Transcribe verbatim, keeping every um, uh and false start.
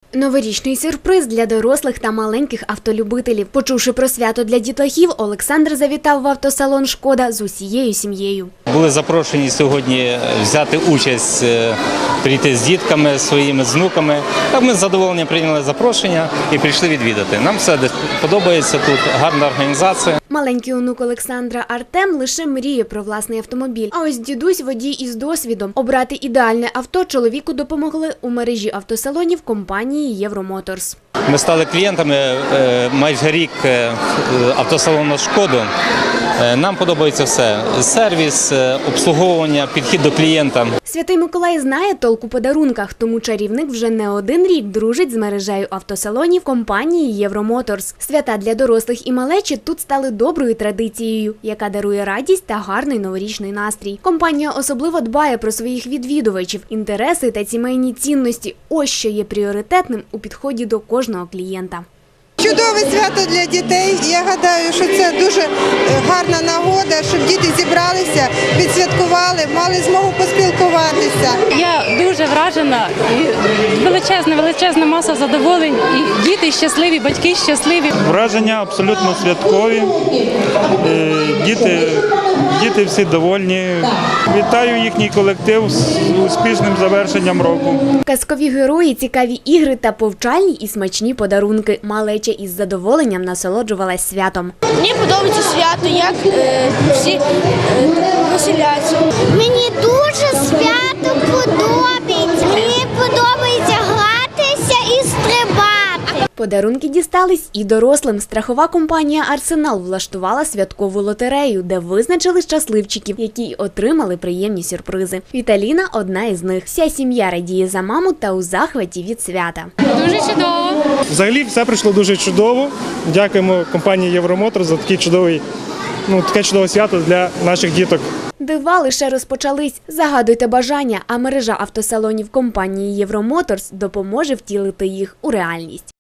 Новорічний сюрприз для дорослих та маленьких автолюбителів. Почувши про свято для дітлахів, Олександр завітав в автосалон «Шкода» з усією сім'єю. Були запрошені сьогодні взяти участь, прийти з дітками, своїми з внуками. Так ми з задоволенням прийняли запрошення і прийшли відвідати. Нам все подобається тут, гарна організація. Маленький онук Олександра Артем лише мріє про власний автомобіль. А ось дідусь – водій із досвідом. Обрати ідеальне авто чоловіку допомогли у мережі автосалонів компанії «Євромоторс». Ми стали клієнтами майже рік автосалону «Шкоду». Нам подобається все – сервіс, обслуговування, підхід до клієнта. Святий Миколай знає толк у подарунках, тому чарівник вже не один рік дружить з мережею автосалонів компанії «Євромоторс». Свята для дорослих і малечі тут стали доброю традицією, яка дарує радість та гарний новорічний настрій. Компанія особливо дбає про своїх відвідувачів, інтереси та сімейні цінності. Ось що є пріоритетним у підході до кожного клієнта. Чудове свято для дітей. Я гадаю, що це дуже гарна нагода, щоб діти зібралися, відсвяткували, мали змогу поспілкуватися. Я дуже вражена, і величезна, величезна маса задоволень, і діти щасливі, батьки щасливі. Враження абсолютно святкові, діти, діти всі довольні. Вітаю їхній колектив з успішним завершенням року. Казкові герої, цікаві ігри та повчальні і смачні подарунки. Малеча із задоволенням насолоджувалась святом. Мені подобається свято, як е, всі е, веселяться. Мені дуже свято подобається. Мені подобається гратися і стрибати. Подарунки дістались і дорослим. Страхова компанія «Арсенал» влаштувала святкову лотерею, де визначили щасливчиків, які отримали приємні сюрпризи. Віталіна – одна із них. Вся сім'я радіє за маму та у захваті від свята. Дуже чудово. Взагалі все пройшло дуже чудово. Дякуємо компанії «Євромотор» за такий чудовий, ну, таке чудове свято для наших діток. Дива лише розпочались. Загадуйте бажання, а мережа автосалонів компанії «Євромоторс» допоможе втілити їх у реальність.